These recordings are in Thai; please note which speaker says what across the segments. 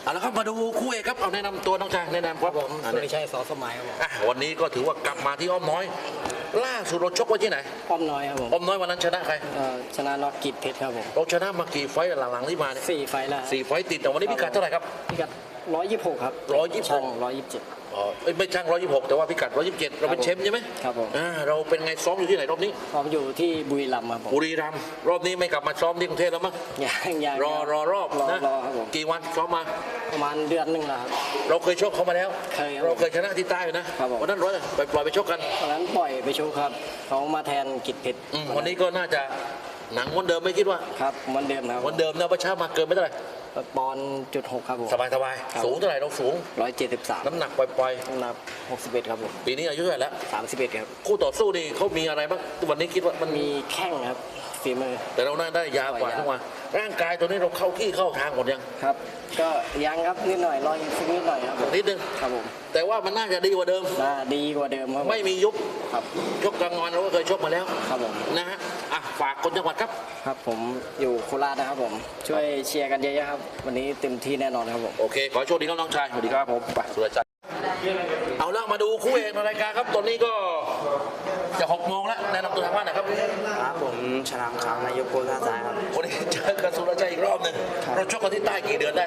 Speaker 1: เอาละครับมาดูคู่เอกครับเอาแนะนำตัวน้องชายแนะนำครับผม
Speaker 2: สุริชัยสอสมัยครับผม
Speaker 1: วันนี้ก็ถือว่ากลับมาที่อ้อมน้อยล่าสุดเราชกไว้ที่ไหน
Speaker 2: ป้อมน้อยครับผม
Speaker 1: อ้อมน้อยวันนั้นชนะใคร
Speaker 2: ชนะน็อกกิจเพชรครับผม
Speaker 1: เราชนะมากี่ไฟต์หลังๆที่มาเนี่ย
Speaker 2: 4 ไฟล์แล้ว
Speaker 1: 4 ไฟต์ติดแต่วันนี้พิกัดเท่าไหร่ครับ
Speaker 2: พิกัด126ครับ
Speaker 1: 126
Speaker 2: ช่าง127
Speaker 1: ไม่ช่าง126แต่ว่าพิกัด127เราเป็นเชฟใช่ไหม
Speaker 2: ครับผม
Speaker 1: เราเป็นไงซ้อมอยู่ที่ไหนรอบนี้
Speaker 2: ซ้อมอยู่ที่บุรีรัมย์ครับผม
Speaker 1: บุรีรัมย์รอบนี้ไม่กลับมาซ้อมที่กรุงเทพแล้วมั้ง
Speaker 2: ยัง
Speaker 1: รอรอบ
Speaker 2: นะครับผม
Speaker 1: กี่วันซ้อมมา
Speaker 2: ประมาณเดือนหนึ่งแล้วครับ
Speaker 1: เราเคยชกเขามาแล้วเราเคยชนะที่ใต้อยู่นะวันนั้นปล่อยไปชกกัน
Speaker 2: วันนั้นปล่อยไปชกครับเขามาแทนกิจเพชร
Speaker 1: วันนี้ก็น่าจะหนังวันเดิมไม่คิดว่า
Speaker 2: ครับวันเดิมครับ
Speaker 1: วันเดิมนะประชามาเกินไม่เท่าไหร่
Speaker 2: ปอนจุด6ครับผม
Speaker 1: สบายสูงเท่าไหร่เราสูง
Speaker 2: 173
Speaker 1: น้ำหนักปล่อย
Speaker 2: น้ำหนัก61ครับผม
Speaker 1: ปีนี้อายุเท่าไหร่แล้ว
Speaker 2: 31ครับ
Speaker 1: คู่ต่อสู้นี่เขามีอะไรบ้างวันนี้คิดว่า
Speaker 2: มันมีแข้งครับฝีมือ
Speaker 1: แต่เราน่าได้ยาวกว่าทุกวันร่างกายตัวนี้เราเข้าที่เข้าทางหมดยัง
Speaker 2: ครับก็ยังครับนิดหน่อยรอยฟิกนิดหน่อยครับ
Speaker 1: นิดนึง
Speaker 2: ครับผม
Speaker 1: แต่ว่ามันน่าจะดีกว่าเดิม
Speaker 2: ดีกว่าเดิมครับ
Speaker 1: ไม่มียุบ
Speaker 2: ครับ
Speaker 1: ชกกลางวันเราก็เคยชกมาแล้ว
Speaker 2: ครับผม
Speaker 1: นะฮะฝากคนจังหวัดครับ
Speaker 2: ครับผมอยู่โคราชนะครับผมช่วยเชียร์กันเยอะๆครับวันนี้เต็มที่แน่นอนครับผม
Speaker 1: โอเคขอโชคดีครับน้องชายสวัสดีครับผมไปสุรชัยเอาละมาดูคู่เอกในรายการครับตอนนี้ก็จะ6 โมงแล้วแนะนำตัวทางบ้านหน่อยครับ
Speaker 2: ครับผมชลามขาวนายกโกท่าซ้ายครับ
Speaker 1: วันนี้เจอกับสุรชัยอีกรอบหนึ่งเราชกกันที่ใต้กี่เดือนได้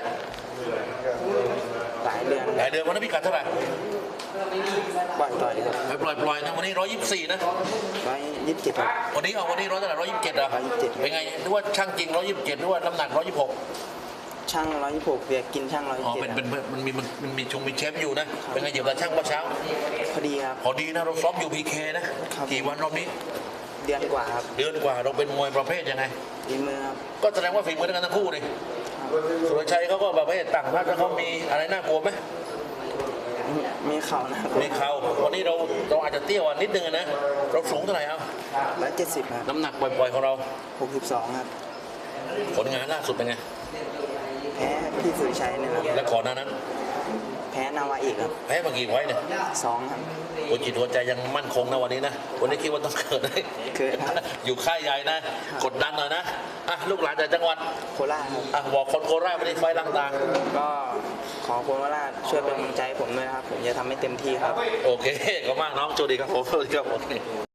Speaker 2: หลายเดือน
Speaker 1: วันนั้นพิกัดเท่าไหร่
Speaker 2: ปล่อยครับ
Speaker 1: ปล่อยนะวันนี้124นะ
Speaker 2: 127ครับ
Speaker 1: วันนี้100เท่าไหร่127เหรอ127เป็นไงนึกว่าช่างจริง127นึกว่าน้ำหนัก126
Speaker 2: ช่าง126เบียกินช่าง127
Speaker 1: มันมีเชฟอยู่นะเป็นไงเหยียบตาช่างเมื่อเช้า
Speaker 2: พอดีครับ
Speaker 1: พอดีนะเราซ้อมอยู่พีเคนะกี่วันรอบนี้
Speaker 2: เดือนกว่าครับ
Speaker 1: เดือนกว่าเราเป็นมวยประเภทยังไง
Speaker 2: ฝีมือครับ
Speaker 1: ก็แสดงว่าฝีมือทั้งคู่เลยสุรชัยเขาก็แบบต่างพักแล้วเขามีอะไรน่ากลัวไหม
Speaker 2: มีเข่านะ
Speaker 1: มีเข่าวันนี้เราอาจจะเตี้ยกว่านิดนึงนะเราสูงเท่าไหร่
Speaker 2: 170ครับ
Speaker 1: น้ำหนักปล่อยของเรา
Speaker 2: 62ครับ
Speaker 1: ผลงานล่าสุดเป็นไง
Speaker 2: แพ้พี่สุริชัยนี่ครับ
Speaker 1: และก่อนหน้านั้น
Speaker 2: แพ้นาวาอีกครับ
Speaker 1: แพ้มากี่ไว้เนี่ย
Speaker 2: 2ครับ
Speaker 1: หัวจิตหัวใจยังมั่นคงนะวันนี้นะวันนี้คิดว่าต้องเกิดได้อยู่ค่ายใหญ่นะกดดันหน่อยนะลูกหลานจากจังหวัด
Speaker 2: โคราชครับ
Speaker 1: บอกคนโคราชวันนี้ไฟต่าง
Speaker 2: ๆก็ขอคนโคราชช่วยเป็นกำลังใจผมด้วยครับผมจะทำให้เต็มที่ครับ
Speaker 1: โอเคขอบคุณมากน้องโชคดีครับผมสวัสดีครับ